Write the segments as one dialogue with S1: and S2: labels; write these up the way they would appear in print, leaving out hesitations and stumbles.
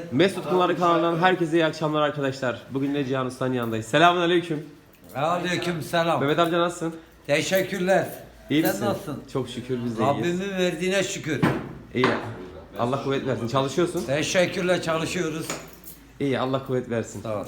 S1: Mesut Kumları kanalından herkese iyi akşamlar arkadaşlar. Bugün de Cihan Usta'nın yanındayız. Selamünaleyküm.
S2: Aleyküm selam.
S1: Mehmet amca nasılsın?
S2: Teşekkürler.
S1: İyi
S2: Sen
S1: misin?
S2: nasılsın?
S1: Çok şükür biz de iyiyiz.
S2: Rabbimin verdiğine şükür.
S1: İyi. Allah kuvvet versin. Çalışıyorsun.
S2: Teşekkürle çalışıyoruz.
S1: İyi. Allah kuvvet versin.
S2: Sağ ol.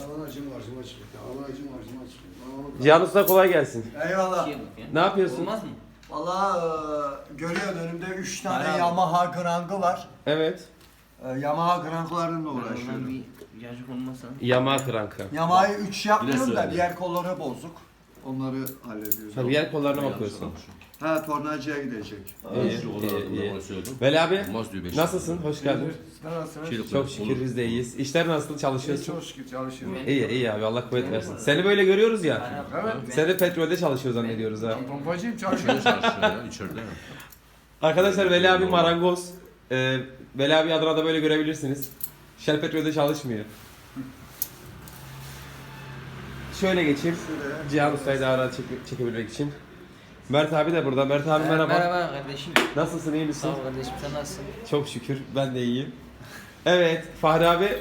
S1: Cihan Usta kolay gelsin.
S3: Eyvallah.
S1: Ne yapıyorsun?
S4: Olmaz mı?
S3: Valla görüyorsun önümde 3 tane
S4: Bayağı.
S3: Yamaha Grang'ı var.
S1: Evet.
S3: Yamaha Grang'larla
S4: Ondan
S3: uğraşıyorum.
S4: bir yacık olmasa.
S1: Yamaha krankı.
S3: Yamaha'yı 3 yapmıyorum da
S4: söyle.
S3: diğer kolları bozuk. Onları hallediyoruz.
S1: Tabii yer kollarına bakıyorsun.
S3: Ha tornacıya gidecek.
S1: İyi. Veli abi nasılsın? Hoş geldin. Çok şükür biz de iyiyiz. İşler nasıl? Çalışıyorsun?
S3: Çok şükür çalışıyorum.
S1: İyi abi Allah kuvvet versin. Seni böyle görüyoruz ya.
S3: Evet.
S1: Seni de petrolde çalışıyor zannediyoruz ha.
S3: Pompacıyım çalışıyorum.
S1: Arkadaşlar Veli abi marangoz. Veli abi adına da böyle görebilirsiniz. Shell petrolde çalışmıyor. Şöyle geçeyim. Cihan Usta'yı daha rahat çekebilmek için. Mert abi de burada. Mert abi merhaba.
S4: Merhaba kardeşim.
S1: Nasılsın, iyi misin?
S4: Sağ ol kardeşim, sen nasılsın?
S1: Çok şükür ben de iyiyim. Evet Fahri abi.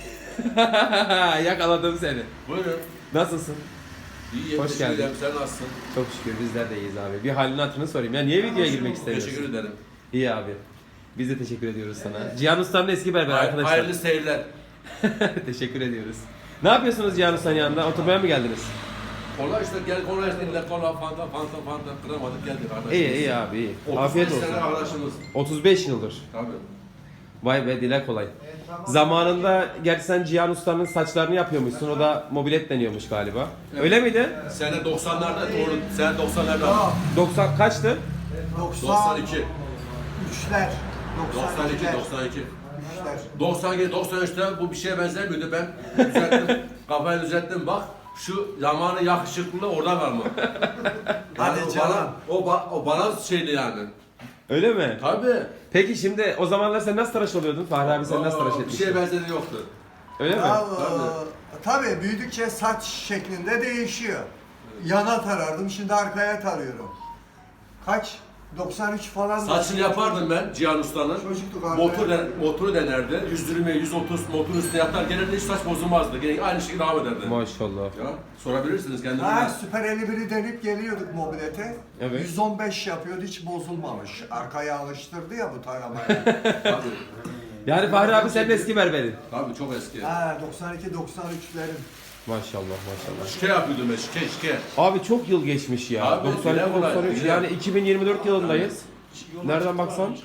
S1: Yakaladım seni.
S5: Buyurun.
S1: Nasılsın?
S5: İyiyim.
S1: Hoş
S5: Teşekkür
S1: geldin.
S5: ederim. Sen nasılsın?
S1: Çok şükür bizler de iyiyiz abi. Bir halini hatırını sorayım. Ya niye videoya girmek istemiyorsun?
S5: Teşekkür ederim.
S1: İyi abi. Biz de teşekkür ediyoruz sana. Cihan Usta'nın eski berberi arkadaşlar.
S5: Hayırlı seyirler.
S1: Teşekkür ediyoruz. Ne yapıyorsunuz Cihan Usta'nın yanında? Oturmaya mı geldiniz?
S5: Kola işte gel kola işte illa kola fanta kıramadık geldik arkadaşlar.
S1: İyi abi iyi.
S5: 35
S1: Afiyet olsun.
S5: sene arkadaşımız.
S1: 35 yıldır.
S5: Tabii.
S1: Vay be dile kolay. Zamanında gerçi sen Cihan Usta'nın saçlarını yapıyormuşsun. O da mobilet deniyormuş galiba. Öyle miydi?
S5: Sene 90'larda doğru. Sene 90'larda.
S1: 90 kaçtı?
S5: 92.
S3: 3'ler.
S5: 92. 92.
S3: 3'ler.
S5: 92, 93'te bu bir şeye benzemiyordu. Ben düzelttim. Kafayı düzelttim bak. Şu zamanı yakışıklılığı orada var mı?
S3: Hadi
S5: o
S3: canım.
S5: o bana şeydi yani.
S1: Öyle mi?
S5: Tabii.
S1: Peki şimdi o zamanlar sen nasıl tıraş oluyordun? Fahri abi sen nasıl tıraş
S5: Bir
S1: etmiştin?
S5: şeye benzeri yoktu.
S1: Öyle mi?
S3: Ya, tabii büyüdükçe saç şeklinde değişiyor. Yana tarardım, şimdi arkaya tarıyorum. Kaç? 93 falan.
S5: Saçını yapardım ben Cihan Usta'nın.
S3: Çocuktuk abi.
S5: Motoru denerdi. 120, 130 motorun üstüne yatar. Genelde hiç saç bozulmazdı. Gene aynı şekilde devam ederdi.
S1: Maşallah.
S5: Ya, sorabilirsiniz kendinize.
S3: Ha, Süper 51'i denip geliyorduk mobilete.
S1: Evet.
S3: 115 yapıyordu, hiç bozulmamış. Arkaya alıştırdı ya bu taramaya.
S5: Tabii.
S1: Yani Fahri abi senin eski berberin.
S5: Tabii çok eski.
S3: Ha, 92-93'lerin.
S1: Maşallah maşallah.
S5: Şike yapıyordum ben, şike.
S1: Abi çok yıl geçmiş ya.
S5: Abi,
S1: 92
S5: bile kolay,
S1: 93
S5: bile.
S1: yani 2024 yılındayız. Nereden baksan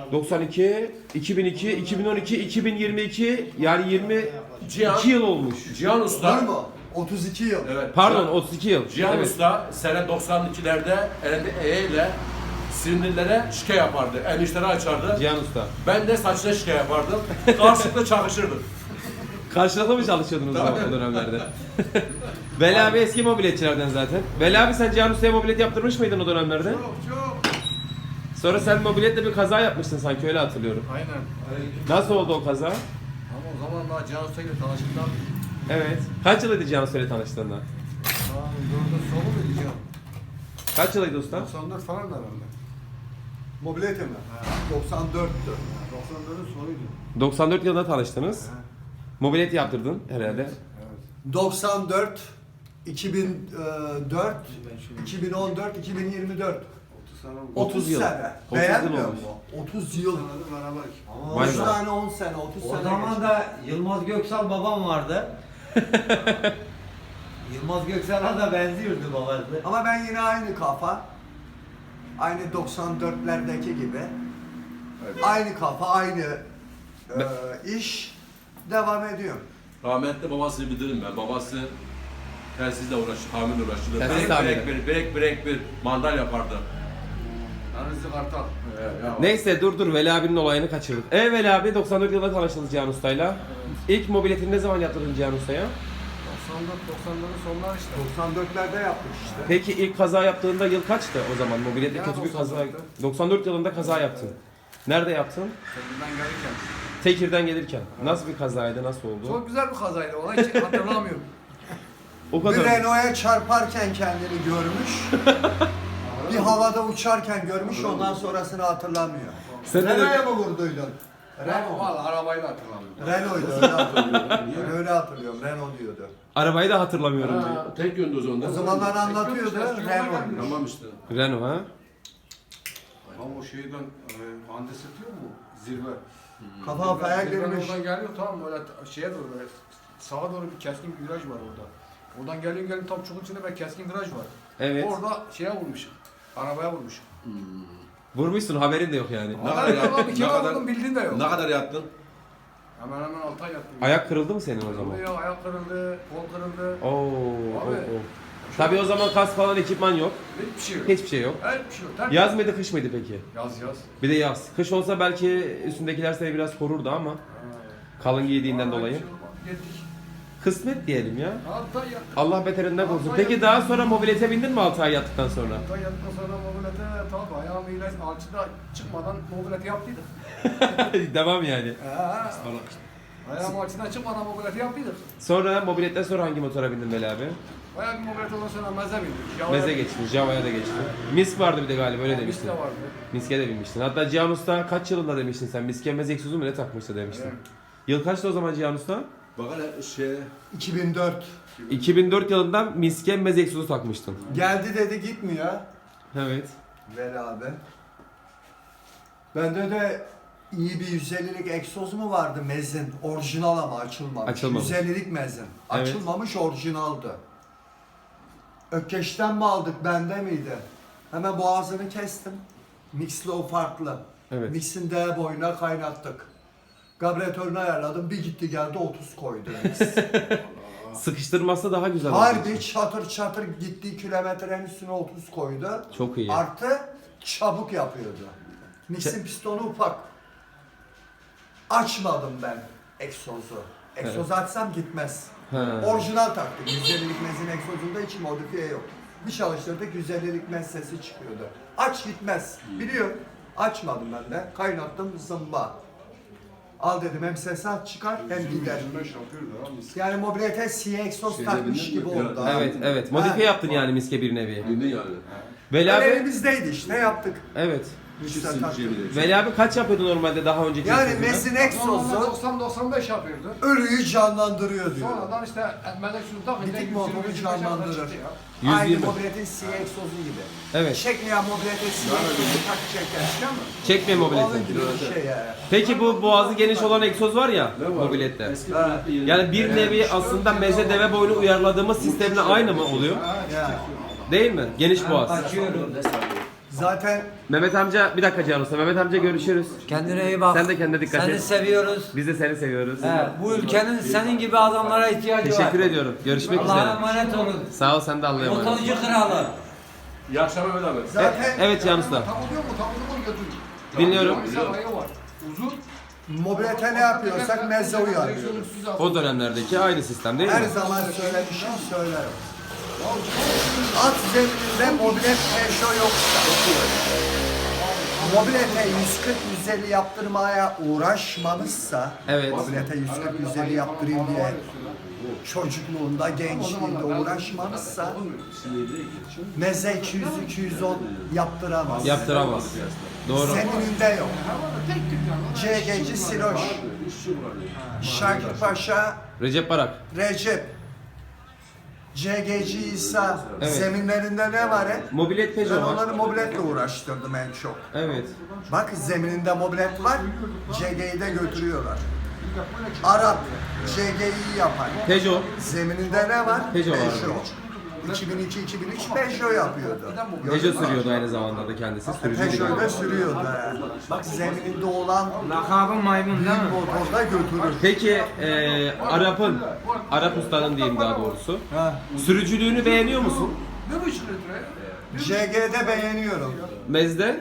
S1: 92, 2002, 2012, 2022 yani 22
S5: Cihan-
S1: yıl olmuş.
S5: Cihan
S3: Var
S5: Usta.
S3: mı? 32 yıl.
S5: Evet.
S1: Pardon 32 yıl.
S5: Cihan
S1: Evet.
S5: Usta sene 92'lerde elinde ile sinirlilere şike yapardı. Enişleri açardı.
S1: Cihan Usta.
S5: Ben de saçına şike yapardım. Karşılıklı çakışırdık.
S1: Karşılıklı mı çalışıyordunuz o dönemlerde? Veli abi eski mobiletçilerden zaten. Veli abi sen Cihan Usta'ya mobilet yaptırmış mıydın o dönemlerde?
S3: Çok.
S1: Sonra sen mobiletle bir kaza yapmıştın sanki öyle hatırlıyorum.
S6: Aynen.
S1: Nasıl oldu o kaza?
S6: Ama o zaman daha Cihan Usta'yla tanıştıktan
S1: Evet. Kaç yılıydı Cihan Usta'yla tanıştığında?
S6: dördün sonu mu diyeceğim?
S1: Kaç yılıydı usta?
S6: 94 falan da herhalde.
S3: Mobilete mi? 94'tü.
S6: 94'ün sonuydu.
S1: 94 yılında tanıştınız. Mobilet yaptırdın herhalde.
S6: Evet.
S3: 94, 2004, 2014, 2024.
S6: 30 sene oldu.
S1: 30 yıl.
S3: sene.
S1: 30
S3: Beğenmiyor
S1: yıl
S3: musun? 30 yıl.
S6: Senedir beraber.
S1: Vay
S3: 30
S1: be.
S3: tane 10 sene, 30
S2: O
S3: sene.
S2: zaman
S3: geçti.
S2: da Yılmaz Göksal babam vardı. Yılmaz Göksal'a da benziyordu babası.
S3: Ama ben yine aynı kafa. Aynı 94'lerdeki gibi. Aynı kafa, aynı iş devam ediyor.
S5: Rahmetli babasını bilirim ben. Babası telsizle uğraştı, tamirle uğraştı.
S1: Telsiz tamiri.
S5: Brek bir mandal yapardı.
S6: Tanrısı Kartal.
S1: Neyse dur Veli abinin olayını kaçırdık. Veli abi 94 yılında tanıştınız Cihan Usta'yla. İlk mobiletini ne zaman yaptırdın Cihan Usta'ya?
S6: 94-90'ların sonları işte.
S3: 94'lerde yaptık işte.
S1: Peki ilk kaza yaptığında yıl kaçtı o zaman? Mobilette
S6: Ya,
S1: kötü bir kaza.
S6: 94'te.
S1: 94 yılında kaza yaptın. Nerede yaptın?
S6: Kendinden gelirken.
S1: Tekir'den gelirken. Nasıl bir kazaydı? Nasıl oldu?
S6: Çok güzel bir kazaydı. Ona hiç hatırlamıyorum.
S1: O
S3: Bir
S1: kadar.
S3: Renault'a çarparken kendini görmüş. Bir havada uçarken görmüş, ondan sonrasını hatırlamıyor.
S1: Sen de-
S3: Nereye mi vurduydun? Renault.
S6: Valla arabayı da hatırlamıyorum.
S3: Renault'ydu öyle hatırlıyorum. Ben öyle hatırlıyorum. Renault diyordu.
S1: Arabayı da hatırlamıyorum diyor.
S5: Ha, tek yönde o zaman.
S3: O zamanlar anlatıyordu. Renault.
S5: Tamam işte.
S1: Renault ha?
S6: Ama o şeyden Hande satıyor mu? Zirve.
S3: Kafa kafaya
S6: Zirve
S3: girmiş.
S6: oradan geliyor tamam böyle şeye doğru böyle sağa doğru bir keskin bir viraj var orada. Oradan geliyor tam çukur içinde böyle keskin viraj var.
S1: Evet.
S6: Orada şeye vurmuşum. Arabaya vurmuşum.
S1: Vurmuşsun haberin de yok yani.
S5: Ne kadar
S6: Haberim yok
S5: yattın?
S6: abi,
S5: Ne
S6: kime
S5: kadar-
S6: vurdum bildiğin de yok.
S5: Ne kadar yattın?
S6: Hemen 6 ay yattım.
S1: Ayak kırıldı mı senin o zaman?
S6: Kırıldı, ayak kırıldı, kol kırıldı.
S1: Oo.
S6: Abi.
S1: Tabii o zaman kas falan ekipman yok.
S6: Hiçbir şey yok.
S1: Hiçbir şey yok.
S6: Hiçbir şey yok. Terk-
S1: Yaz mıydı kış mıydı peki?
S6: Yaz yaz.
S1: Bir de yaz. Kış olsa belki üstündekiler seni biraz korurdu ama kalın giydiğinden dolayı.
S6: Gittik.
S1: Kısmet diyelim ya.
S6: 6 ay yattık.
S1: Allah beterinden korusun. Peki daha sonra mobilete bindin mi 6 ay yattıktan sonra?
S6: 6 ay yattıktan sonra mobilete tabi ayağımı ilaç alçıda çıkmadan mobilete yaptıydık.
S1: Devam yani.
S6: Ayağım alçıdan çıkmadan mobilete yaptıydık.
S1: Sonra mobiletten sonra hangi motora bindin Veli abi?
S6: Bayağı bir mobilete ondan sonra meze bindik. Java'ya
S1: Meze
S6: bindik.
S1: geçtin, Java'ya da geçtin. Misk vardı bir de galiba öyle
S6: Mis
S1: demiştin.
S6: de vardı.
S1: Misk'e de binmiştin. Hatta Cihan Usta kaç yılında demiştin sen? Misk'e meze egzozu mu ne takmıştı demiştin.
S6: Evet.
S1: Yıl kaçtı o zaman Cihan Usta?
S5: Bak hele şey...
S3: 2004.
S1: 2004 yılında Misk'e meze egzozu takmıştın.
S3: Geldi dedi gitmiyor.
S1: Evet.
S3: Ver abi. Bende de iyi bir 150'lik egzoz mu vardı mezin? Orijinal ama açılmamış.
S1: Açılmamış.
S3: 150'lik mezin.
S1: Evet.
S3: Açılmamış orijinaldı. Ökkeş'ten mi aldık bende miydi? Hemen boğazını kestim. Mix'li o farklı.
S1: Evet.
S3: Mix'in D boyuna kaynattık. Karbüratörünü ayarladım. Bir gitti geldi 30 koydu mix.
S1: Sıkıştırması daha güzel oldu.
S3: Harbi çatır çatır gittiği kilometrenin üstüne 30 koydu.
S1: Çok iyi.
S3: Artı çabuk yapıyordu. Mix'in pistonu ufak. Açmadım ben egzozu. Egzozu açsam gitmez.
S1: Ha.
S3: Orijinal taktık. 150'lik mezin egzozunda hiç modifiye yok. Bir çalıştırdık 150'lik mez sesi çıkıyordu. Aç gitmez. Biliyorum. Açmadım ben de. Kaynattım zımba. Al dedim hem sesi aç çıkar hem gider.
S6: 25 yapıyordu ha mis.
S3: Yani mobilete siyah egzoz
S5: Şeyde
S3: takmış
S5: bindin
S3: gibi
S5: mi?
S3: oldu.
S1: Evet, evet. Modifiye yaptın yani Misk'e bir nevi.
S5: Bildin yani.
S1: Veli
S3: Öyle
S1: abi,
S3: elimizdeydi işte yaptık.
S1: evet.
S3: Mix'e
S5: Çiftsin
S3: taktık.
S5: şey bile.
S1: Veli abi kaç yapıyordu normalde daha önceki
S3: Yani
S1: egzozunda?
S3: mesin egzozu
S6: 90-95 yapıyordu.
S3: ölüyü canlandırıyor diyor.
S6: Sonradan işte melek suyu takınca
S3: Bitik
S6: 120
S3: motoru
S6: 125
S3: canlandırır.
S6: çıktı ya.
S3: Aynı
S1: 120.
S3: mobiletin siyah egzozu gibi.
S1: Evet.
S3: Çekmeyen mobiletin siyah egzozu tak çeker.
S1: Çekme
S3: Onun
S1: mobileti.
S3: gibi bir şey ya.
S1: Peki bu boğazı geniş olan egzoz var ya
S5: Ne var?
S1: mobilette.
S5: Eski
S3: Ha.
S5: mobilette yeni-
S1: Yani bir nevi aslında meze deve boyunu uyarladığımız sistemle aynı mı oluyor?
S3: Ya.
S1: Değil mi? Geniş boğaz.
S2: Açıyorum.
S3: Zaten
S1: Mehmet amca bir dakika Cihan Usta. Mehmet amca görüşürüz.
S2: Kendine iyi bak.
S1: Sen de kendine dikkat
S2: Seni
S1: et.
S2: seviyoruz.
S1: Biz de seni seviyoruz.
S2: He, bu ülkenin senin gibi adamlara ihtiyacı var.
S1: Teşekkür ediyorum. Görüşmek
S2: Allah'a
S1: üzere.
S2: emanet olun.
S1: Sağ ol sen de Allah'a emanet.
S2: Motorcu kralı.
S5: İyi akşamlar Mehmet abi.
S3: zaten
S1: Evet Cihan Usta.
S6: Takılıyor mu? Takılıyor mu götürüyor?
S1: Dinliyorum.
S6: Mesela ayağı var. Uzun.
S3: mobilete ne yapıyorsak mezze uyarlıyoruz.
S1: O dönemlerdeki aynı sistem değil mi?
S3: Her zaman söylemişim söylerim. At zemininde mobilet peşo yoksa, mobilete 140-150 yaptırmaya uğraşmamışsa,
S1: Evet.
S3: mobilete 140-150 yaptırayım diye çocukluğunda, gençliğinde uğraşmamışsa, meze 200-210 yaptıramaz.
S1: Yaptıramaz. Doğru.
S3: Zemininde yok.
S6: Tek tük yani.
S3: CG'ci Siloş, Şakir Paşa,
S1: Recep Barak.
S3: Recep, CG'ci İsa,
S1: Evet.
S3: zeminlerinde ne var hep?
S1: Mobilet
S3: Ben
S1: Peugeot var.
S3: onları mobiletle uğraştırdım en çok.
S1: Evet.
S3: Bak zemininde mobilet var, CG'yi de götürüyorlar. Arap, CG'yi yapar.
S1: Peugeot.
S3: Zemininde ne var?
S1: Peugeot var.
S3: 2002-2003 Peugeot yapıyordu.
S1: Peugeot sürüyordu aynı zamanda da kendisi. Sürücüydü
S3: Peugeot da
S1: galiba.
S3: sürüyordu. he. Bak zemininde olan
S2: Lakabı maymun değil mi?
S3: motorda götürür.
S1: Peki Arap ustanın diyeyim daha doğrusu. Sürücülüğünü beğeniyor musun?
S6: Ne buçuk litre?
S3: CG'de beğeniyorum.
S1: Mezde?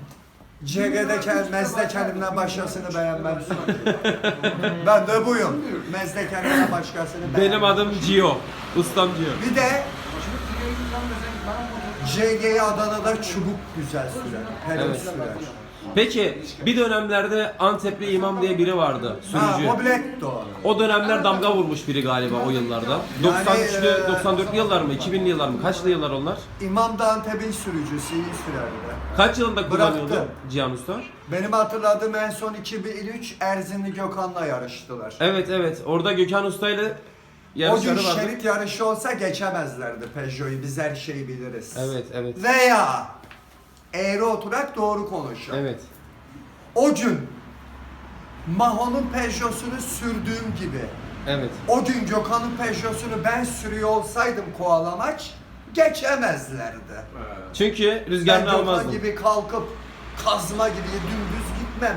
S3: Mezde kendimden başkasını beğenmem. Ben de buyum. Mezde kendimden başkasını beğenmem.
S1: Benim adım Gio. Ustam Gio.
S3: Bir de CG'yi Adana'da çubuk güzel sürer. Pelin
S1: Evet.
S3: sürer.
S1: Peki bir dönemlerde Antepli İmam diye biri vardı,
S3: Ha,
S1: sürücü.
S3: Mobiletto.
S1: O dönemler damga vurmuş biri galiba o yıllarda. 93'lü, 94'lü yıllar mı, 2000'li yıllar mı? Kaçlı yıllar onlar?
S3: İmam da Antep'in sürücüsü, iyi sürerdi.
S1: Kaç yılında kullanıyordu
S3: Bıraktı.
S1: Cihan Usta?
S3: Benim hatırladığım en son 2003 Erzinli Gökhan'la yarıştılar.
S1: Evet evet, orada Gökhan Usta ile
S3: O gün
S1: yarışları vardı.
S3: şerit yarışı olsa geçemezlerdi Peugeot'u. Biz her şeyi biliriz.
S1: Evet evet.
S3: Veya eğri oturak doğru konuşalım.
S1: Evet.
S3: O gün Maho'nun Peugeot'sunu sürdüğüm gibi
S1: Evet.
S3: o gün Gökhan'ın Peugeot'unu ben sürüyor olsaydım kovalamaç geçemezlerdi.
S1: Çünkü
S3: Ben
S1: rüzgarını
S3: Gökhan
S1: almazdın.
S3: gibi kalkıp kazma gibi dümdüz gitmem.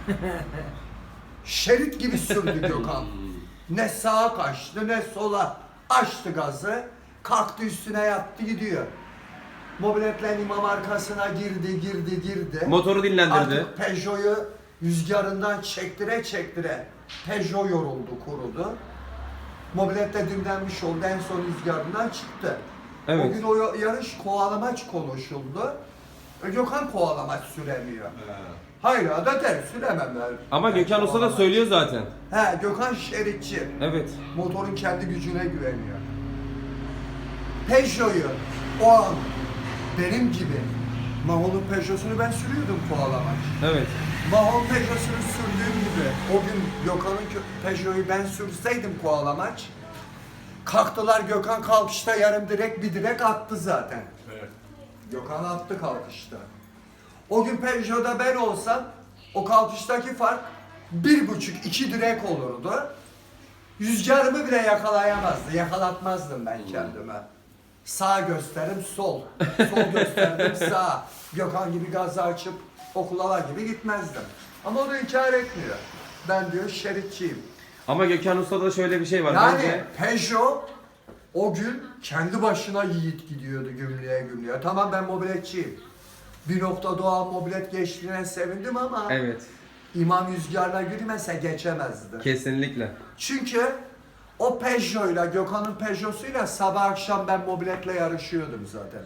S3: Şerit gibi sürdü Gökhan. Ne sağa kaçtı ne sola. Açtı gazı. Kalktı üstüne yattı gidiyor. Mobiletle imam arkasına girdi.
S1: Motoru dinlendirdi.
S3: Artık Peugeot'u rüzgarından çektire Peugeot yoruldu, kurudu. Mobilet de dinlenmiş oldu. En son rüzgarından çıktı.
S1: Evet.
S3: O gün o yarış kovalamaç konuşuldu. Gökhan kovalamaç süremiyor. Hayır da der sürememler.
S1: Ama Gökhan Usta da söylüyor zaten.
S3: He, Gökhan şeritçi.
S1: Evet.
S3: Motorun kendi gücüne güveniyor. Peugeot'u o an benim gibi Maho'nun Peugeot'unu ben sürüyordum kovalamaç.
S1: Evet.
S3: Mahon Peugeot'unu sürdüğüm gibi o gün Gökhan'ın Peugeot'u ben sürseydim kovalamaç, kalktılar, Gökhan kalkışta yarım direk bir direk attı zaten.
S5: Evet.
S3: Gökhan attı kalkışta. O gün Peugeot'da ben olsam o kalkıştaki fark 1,5-2 direk olurdu. Rüzgarımı bile yakalayamazdı, yakalatmazdım ben kendime. Sağ gösterim sol, sol gösterdim sağ. Gökhan gibi gazı açıp okulala gibi gitmezdim. Ama o da inkar etmiyor. Ben diyor şeritçiyim.
S1: Ama Gökhan Usta'da da şöyle bir şey var.
S3: Yani
S1: Bence
S3: Peugeot o gün kendi başına yiğit gidiyordu gümrüğe. Tamam ben mobiletçiyim. Bir nokta doğal mobilet geçtiğine sevindim ama
S1: evet.
S3: İmam rüzgarla girmese geçemezdi.
S1: Kesinlikle.
S3: Çünkü o Peugeot'la, Gökhan'ın Peugeot'suyla sabah akşam ben mobiletle yarışıyordum zaten.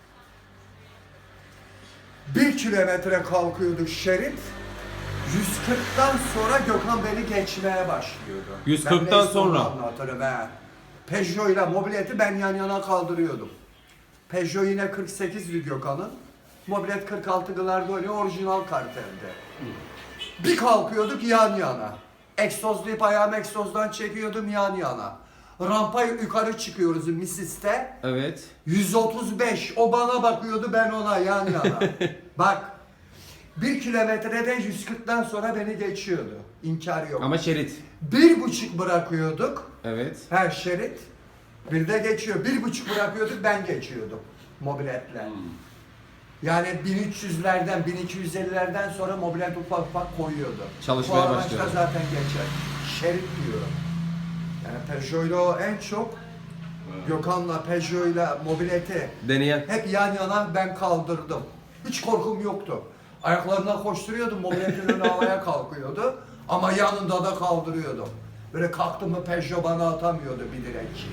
S3: 1 kilometre kalkıyordu şerit. 140'tan sonra Gökhan beni geçmeye başlıyordu.
S1: 140'tan
S3: Ben neyse
S1: sonra?
S3: onu anlatırım he. Peugeot'la mobileti ben yan yana kaldırıyordum. Peugeot yine 48'li Gökhan'ın. Mobilet 46 Glargoni orijinal kartelde. Bir kalkıyorduk yan yana. Egzozlayıp ayağımı egzozdan çekiyordum yan yana. Rampayı yukarı çıkıyoruz Misis'te.
S1: Evet.
S3: 135. O bana bakıyordu ben ona yan yana. Bak. 1 kilometrede 140'dan sonra beni geçiyordu. İnkar yok.
S1: Ama şerit.
S3: 1,5 bırakıyorduk.
S1: Evet.
S3: Her şerit. Bir de geçiyor. 1,5 bırakıyorduk ben geçiyordum. Mobiletle. Yani 1300'lerden 1250'lerden sonra mobilet ufak koyuyordu.
S1: Çalışmaya
S3: Bu araçta
S1: başlıyordu.
S3: zaten geçer. Şerit diyorum. Yani Peugeot'la o en çok Gökhan'la Peugeot'la mobileti
S1: Deneyen.
S3: hep yan yana ben kaldırdım. Hiç korkum yoktu. Ayaklarına koşturuyordum, mobiletin önü havaya kalkıyordu. Ama yanında da kaldırıyordum. Böyle kalktım mı Peugeot bana atamıyordu bir direk.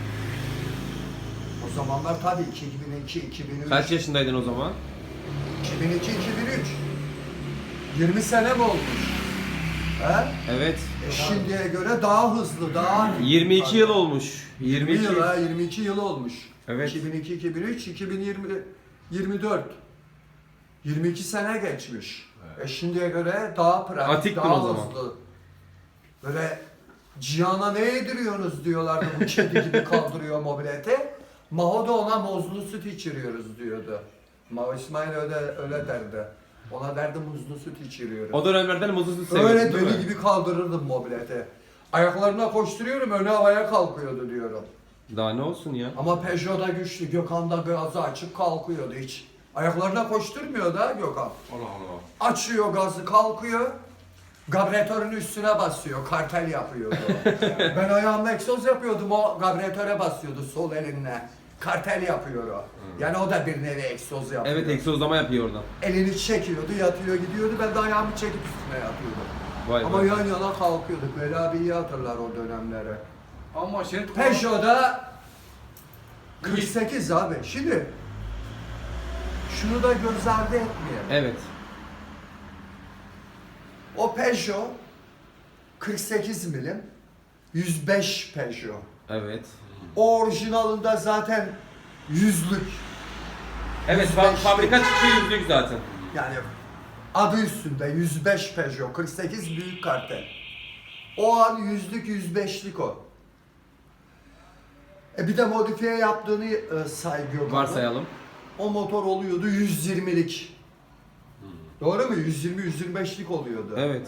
S3: O zamanlar tabii 2002, 2003.
S1: Kaç yaşındaydın o zaman?
S3: 2002, 2003. 20 sene mi olmuş? He?
S1: Evet.
S3: Şimdiye göre daha hızlı, daha...
S1: 22 yıl olmuş.
S3: 22
S1: 22
S3: yıl ha, 22 yıl olmuş.
S1: Evet.
S3: 2002, 2003, 2020, 24. 22 sene geçmiş. Şimdiye göre daha pratik,
S1: Atiktin
S3: daha
S1: o zaman.
S3: hızlı. Böyle Cihan'a ne yediriyorsunuz diyorlardı bu kedi gibi kaldırıyor mobileti. Maho da ona muzlu süt içiriyoruz diyordu. Maho İsmail öyle derdi. Ona derdi muzlu süt içiriyoruz.
S1: O dönemlerden muzlu süt seviyorsun
S3: Öyle
S1: değil mi?
S3: deli gibi kaldırırdım mobileti. Ayaklarına koşturuyorum önü havaya kalkıyordu diyorum.
S1: Daha ne olsun ya?
S3: Ama Peugeot'da güçlü, Gökhan da gazı açıp kalkıyordu hiç. Ayaklarına koşturmuyor da Gökhan.
S5: Allah Allah.
S3: Açıyor gazı kalkıyor. Gabretörün üstüne basıyor, kartel yapıyordu. Ben ayağımla egzoz yapıyordum, o gabretöre basıyordu sol elinle. Kartel yapıyor o. Yani o da bir nevi egzoz yapıyor.
S1: Evet, egzozlama yapıyor oradan.
S3: Elini çekiyordu, yatıyor gidiyordu, ben de ayağımı çekip üstüne yatıyordum.
S1: Vay
S3: Ama
S1: vay.
S3: yan yana kalkıyorduk, böyle abi iyi hatırlar o dönemleri.
S6: Ama şerit
S3: Peugeot'da 48 abi. Şimdi şunu da göz ardı etmeyelim.
S1: Evet.
S3: O Peugeot 48 milim 105 Peugeot.
S1: Evet.
S3: O orijinalında zaten yüzlük.
S1: Evet,
S3: 105'lik.
S1: fabrika çıkışı yüzlük zaten.
S3: Yani adı üstünde 105 Peugeot 48 büyük kartel. O an yüzlük 105'lik o. Bir de modifiye yaptığını say Gökhan'ın.
S1: Varsayalım.
S3: O motor oluyordu 120'lik. Doğru mu? 120-125'lik oluyordu.
S1: Evet.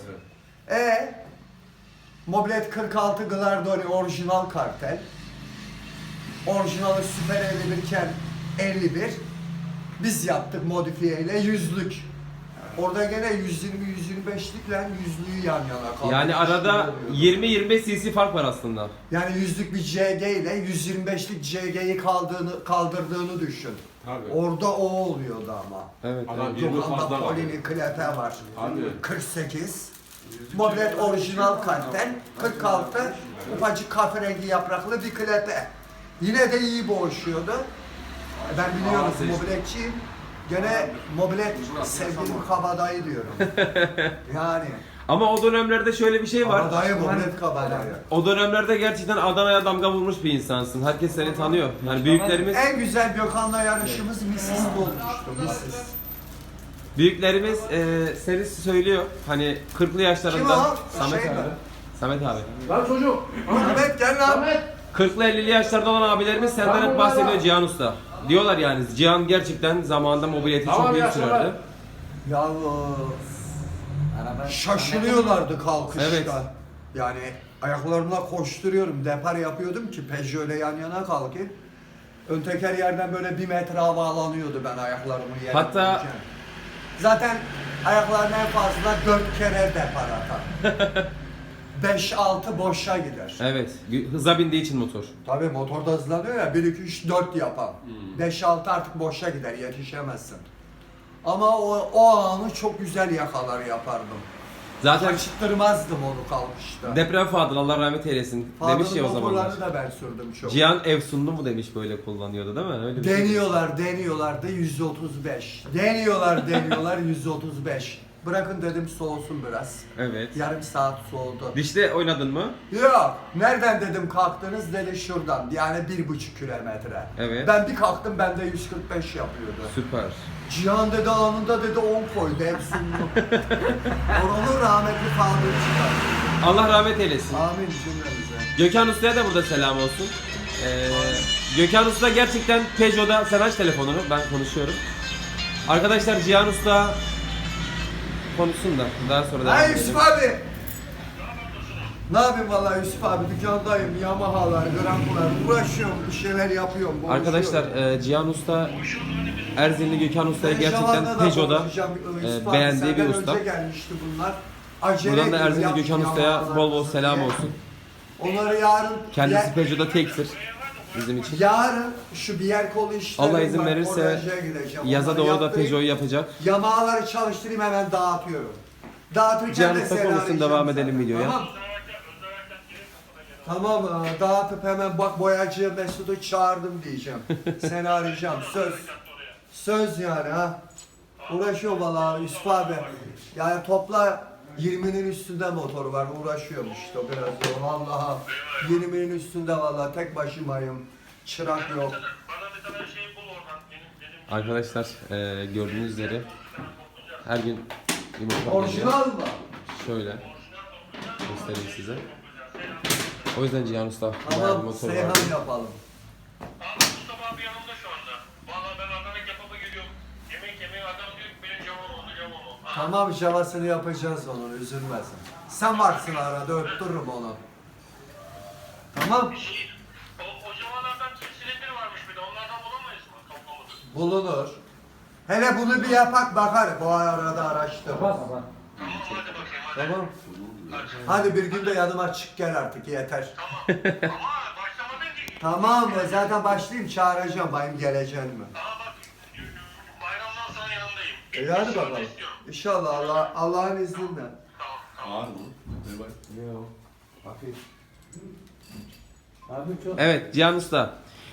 S3: Mobilet 46 Glardoni orijinal kartel. Orijinali Süper 51 iken 51. Biz yaptık modifiye ile yüzlük. Orada gene 120-125'likle yüzlüğü yan yana kaldı.
S1: Yani arada 20-25 cc fark var aslında.
S3: Yani yüzlük bir CG ile 125'lik CG'yi kaldırdığını düşün.
S5: Tabii.
S3: Orada o oluyordu ama.
S1: Evet.
S5: Adam 20
S3: Gökhan'da
S5: fazla var.
S3: Polini klepe var.
S5: Tabii.
S3: 48. Mobilet orijinal kartel. 46. Ufacık kahverengi yapraklı bir klepe. Yine de iyi boğuşuyordu. Ben biliyorum
S5: Aa, seçtim.
S3: mobiletçiyim. Gene mobilet sevdiğim kabadayı diyorum. Yani
S1: Ama o dönemlerde şöyle bir şey var.
S3: kabadayı mobilet kabadayı.
S1: O dönemlerde gerçekten Adana'ya damga vurmuş bir insansın. Herkes seni tanıyor. Yani büyüklerimiz
S3: En güzel Gökhan'la yarışımız Missis'te olmuştu. Missis.
S1: büyüklerimiz seni söylüyor. Hani 40'lı yaşlarında
S3: Kim o?
S1: Samet
S3: Şey
S1: abi.
S3: mi?
S1: Samet abi.
S5: Lan çocuk.
S3: Ahmet gel lan.
S1: 40'lı 50'li yaşlarda olan abilerimiz senden hep bahsediyor Cihan Usta. Diyorlar yani Cihan gerçekten zamanında mobileti
S5: Tamam
S1: çok iyi
S5: ya,
S1: sürerdi.
S3: Ya şaşılıyorlardı kalkışta.
S1: Evet.
S3: Yani ayaklarımla koşturuyorum. Depar yapıyordum ki Peugeot ile yan yana kalkayım. Ön teker yerden böyle 1 metre havalanıyordu ben ayaklarımı yere
S1: Hatta-
S3: koyarken. Zaten ayaklarına en fazla 4 kere depar atar. 5-6 boşa gider.
S1: Evet. Hıza bindiği için motor.
S3: Tabii motorda hızlanıyor ya 1 2 3 4 yapan. 5-6 artık boşa gider, yetişemezsin. Ama o anı çok güzel yakalar yapardım.
S1: Zaten
S3: Kaçırtmazdım onu kalkışta.
S1: deprem Fadıl Allah rahmet eylesin demiş ya o zamanlar.
S3: motorlarını da ben sürdüm çok.
S1: Cihan Efsunlu mu demiş böyle kullanıyordu değil mi? Öyle bir şey.
S3: Deniyorlar da 135. Deniyorlar 135. Bırakın dedim soğusun biraz.
S1: Evet.
S3: Yarım saat soğudu.
S1: Dişte oynadın mı?
S3: Yok. Nereden dedim kalktınız dedi şuradan. Yani 1,5 kilometre.
S1: Evet.
S3: Ben bir kalktım bende 145 yapıyordu.
S1: Süper.
S3: Cihan dedi anında dedi 10 koydu Efsunlu. Oranın rahmetli kaldığı çıkar.
S1: Allah rahmet eylesin.
S3: Amin cümlemize.
S1: Gökhan Usta'ya da burada selam olsun. Gökhan Usta gerçekten Peugeot'da, sen aç telefonunu, ben konuşuyorum. Arkadaşlar Cihan Usta konuşsun da daha sonra devam
S3: Hay
S1: edelim.
S3: Yusuf abi. Ne yapayım vallahi Yusuf abi dükkandayım. Yamahalar, grampular uğraşıyorum, bir şeyler yapıyorum.
S1: Arkadaşlar Cihan Usta Erzinli Gökhan Usta'yı
S3: Ben
S1: gerçekten
S3: Şaban'da da
S1: Peugeot'da
S3: konuşacağım, Yusuf abi,
S1: beğendiği bir
S3: senden
S1: usta.
S3: önce gelmişti bunlar. Acele
S1: Buradan da
S3: edin,
S1: Erzinli
S3: yap
S1: Gökhan
S3: şu
S1: Usta'ya
S3: yamahalar
S1: bol bol
S3: kızım
S1: selam
S3: diye.
S1: olsun.
S3: Onları yarın
S1: Kendisi Peugeot'da tektir bizim için.
S3: yarın şu bir yer kolu işlerim
S1: Allah izin
S3: var,
S1: verirse
S3: oraya gideceğim.
S1: yaza
S3: Onları
S1: doğru da
S3: yaptırayım.
S1: Peugeot'u yapacak.
S3: Yamahaları çalıştırayım hemen dağıtıyorum. Dağıtırken
S1: Cihan
S3: de
S1: Usta
S3: seni
S1: konuşsun,
S3: arayacağım
S1: devam
S3: sana.
S1: edelim videoya.
S3: Tamam. Tamam dağıtıp hemen bak boyacı Mesut'u çağırdım diyeceğim. Seni arayacağım söz. Söz yani ha. Uğraşıyor valla Yusuf abi. Yani topla 20'nin üstünde motoru var uğraşıyorum işte o biraz zor. Vallahi 20'nin üstünde valla tek başımayım. Çırak yok.
S1: Arkadaşlar gördüğünüz üzere her gün yumurta geliyor.
S3: Orijinal mı?
S1: Şöyle göstereyim size. O yüzden Cihan Usta bayağı bir
S3: Tamam
S1: motor var.
S3: Seyhan yapalım.
S7: Abi Mustafa abi yanımda şu anda. Vallahi ben Adana kebaba geliyorum. Yemek yemeye adam diyor ki benim camon oldu camon oldu.
S3: Tamam javasını yapacağız onun üzülmesin. Sen varsın arada öptürürüm onu. Tamam.
S7: O zamanlardan silindir varmış bir de onlardan bulamayız mı? Toplamak.
S3: Bulunur. Hele bunu bir yapak bakar. Bu arada araştır.
S7: Tamam hadi bakayım hadi.
S3: Tamam. Hadi bir gün de yanıma çık gel artık yeter.
S7: Ama başlamadın ki.
S3: Tamam zaten başlayayım çağıracağım bayım geleceğin mi?
S7: Aa bak bayramdan sonra yanındayım.
S3: İyi hadi bakalım.
S7: İstiyorum.
S3: İnşallah Allah'ın izniyle.
S7: Tamam tamam.
S5: Ağır mı? Ver bak.
S1: Evet Cihan Usta.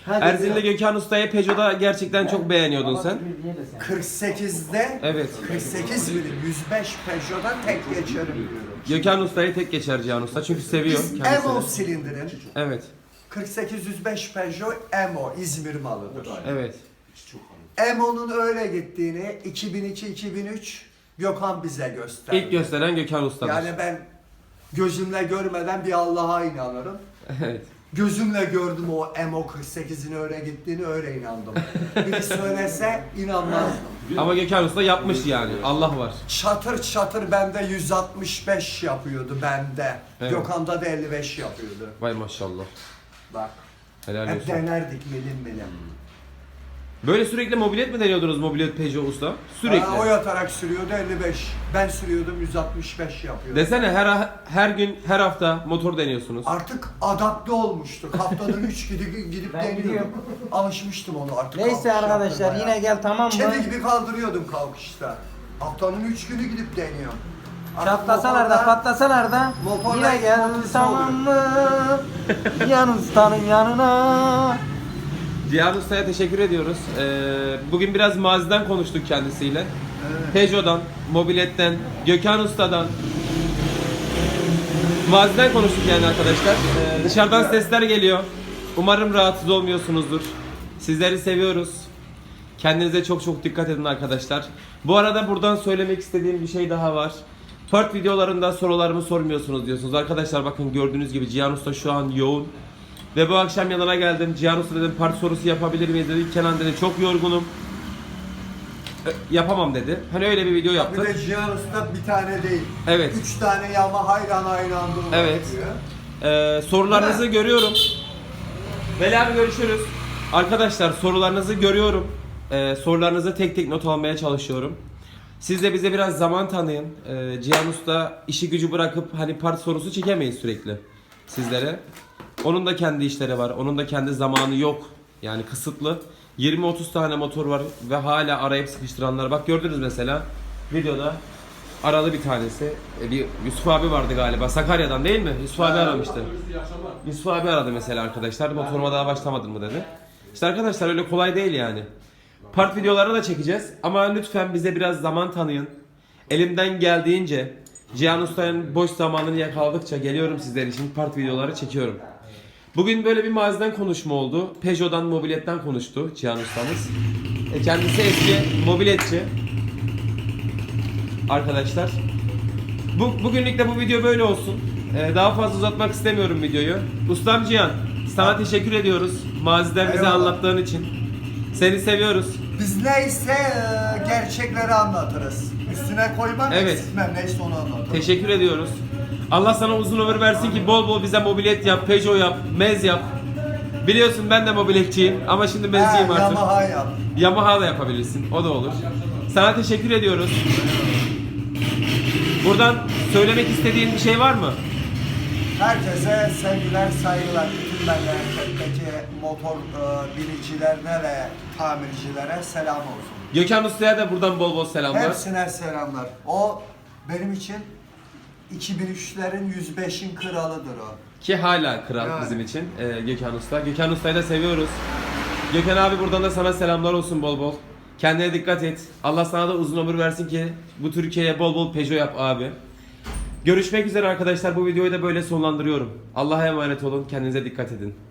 S1: Erzin'le Gökhan Usta'yı Peugeot'da gerçekten çok beğeniyordun sen.
S3: 48'de
S1: Evet.
S3: 48 milim 105 Peugeot'dan tek geçerim diyorum.
S1: Gökhan Usta'yı tek geçer Cihan Usta çünkü seviyor
S3: Biz Emo
S1: kendisini.
S3: silindirin
S1: Evet.
S3: 48-105 Peugeot Emo İzmir malıdır.
S1: Evet.
S3: Emo'nun öyle gittiğini 2002-2003 Gökhan bize gösterdi.
S1: İlk gösteren Gökhan Usta'dır.
S3: Yani ben gözümle görmeden bir Allah'a inanırım.
S1: Evet.
S3: Gözümle gördüm o Emo 48'in öyle gittiğini, öyle inandım. Biri söylese inanmazdım.
S1: Ama Gökhan Usta yapmış yani. Allah var.
S3: Çatır çatır bende 165 yapıyordu bende.
S1: Evet.
S3: Gökhan'da da 55 yapıyordu.
S1: Vay maşallah.
S3: Bak.
S1: Helal
S3: Hep
S1: olsun.
S3: denerdik milim milim.
S1: Böyle sürekli mobilet mi deniyordunuz mobilet Peugeot Usta? Sürekli.
S3: Ha, o yatarak sürüyordu 55. Ben sürüyordum 165 yapıyordu.
S1: Desene her gün her hafta motor deniyorsunuz.
S3: Artık adapte olmuştuk. Haftada 3 gidip
S2: Ben
S3: deniyordum.
S2: gidiyorum.
S3: Alışmıştım onu artık.
S2: Neyse
S3: kalkış
S2: arkadaşlar
S3: yaptırmaya.
S2: yine gel tamam mı?
S3: Kedi gibi kaldırıyordum kalkışta. Haftanın 3 günü gidip deniyorum. Artık
S2: Çatlasalar da
S3: motorla-
S2: patlasalar da
S3: motorla
S2: yine gel
S3: motorla
S2: tamam mı? Yan ustanın yanına.
S1: Cihan Usta'ya teşekkür ediyoruz. Bugün biraz maziden konuştuk kendisiyle. Peugeot'dan, mobiletten, Gökhan Usta'dan. Maziden konuştuk yani arkadaşlar. Dışarıdan sesler geliyor. Umarım rahatsız olmuyorsunuzdur. Sizleri seviyoruz. Kendinize çok çok dikkat edin arkadaşlar. Bu arada buradan söylemek istediğim bir şey daha var. Part videolarında sorularımı sormuyorsunuz diyorsunuz. Arkadaşlar bakın gördüğünüz gibi Cihan Usta şu an yoğun. Ve bu akşam yanına geldim. Cihan Usta dedim part sorusu yapabilir miyiz dedi. Kenan dedi çok yorgunum. Yapamam dedi. Hani öyle bir video
S3: Bir
S1: yaptık.
S3: de Cihan Usta bir tane değil.
S1: Evet.
S3: 3 tane Yamaha'yla aynı anda
S1: Evet.
S3: uğraşıyor.
S1: Sorularınızı görüyorum. Veli abi görüşürüz. Arkadaşlar sorularınızı görüyorum. Sorularınızı tek tek not almaya çalışıyorum. Siz de bize biraz zaman tanıyın. Cihan Usta işi gücü bırakıp hani part sorusu çekemeyiz sürekli sizlere. Onun da kendi işleri var. Onun da kendi zamanı yok. Yani kısıtlı. 20-30 tane motor var ve hala arayıp sıkıştıranlar. Bak gördünüz mesela videoda aralı bir tanesi. Bir Yusuf abi vardı galiba. Sakarya'dan değil mi? Yusuf abi aramıştı. Yusuf abi aradı mesela arkadaşlar. Motoruma daha başlamadın mı dedi. İşte arkadaşlar öyle kolay değil yani. Part videoları da çekeceğiz ama lütfen bize biraz zaman tanıyın. Elimden geldiğince Cihan Usta'nın boş zamanını yakaladıkça geliyorum sizler için part videoları çekiyorum. Bugün böyle bir maziden konuşma oldu. Peugeot'dan, mobiletten konuştu Cihan Usta'mız. Kendisi eski mobiletçi. Arkadaşlar. Bugünlük de bu video böyle olsun. Daha fazla uzatmak istemiyorum videoyu. Ustam Cihan, sana teşekkür ediyoruz. Maziden bize
S3: Eyvallah.
S1: anlattığın için. Seni seviyoruz.
S3: Biz neyse gerçekleri anlatırız. Üstüne koymam,
S1: Evet.
S3: eksiltmem, neyse onu anlatırım.
S1: Teşekkür ediyoruz. Allah sana uzun ömür versin ki bol bol bize mobilet yap, Peugeot yap, mez yap. Biliyorsun ben de mobiletçiyim ama şimdi mezciyim artık.
S3: Yamaha yap.
S1: Yamaha da yapabilirsin. O da olur. Sana teşekkür ediyoruz. Buradan söylemek istediğin bir şey var mı?
S3: Herkese sevgiler, saygılar. Bütün memleketteki motor binicilerine ve tamircilere selam olsun.
S1: Gökhan Usta'ya da buradan bol bol selamlar.
S3: Hepsine selamlar. O benim için 2003'lerin 105'in kralıdır o.
S1: Ki hala kral
S3: Yani.
S1: bizim için Gökhan Usta. Gökhan Usta'yı da seviyoruz. Gökhan abi buradan da sana selamlar olsun bol bol. Kendine dikkat et. Allah sana da uzun ömür versin ki bu Türkiye'ye bol bol Peugeot yap abi. Görüşmek üzere arkadaşlar. Bu videoyu da böyle sonlandırıyorum. Allah'a emanet olun. Kendinize dikkat edin.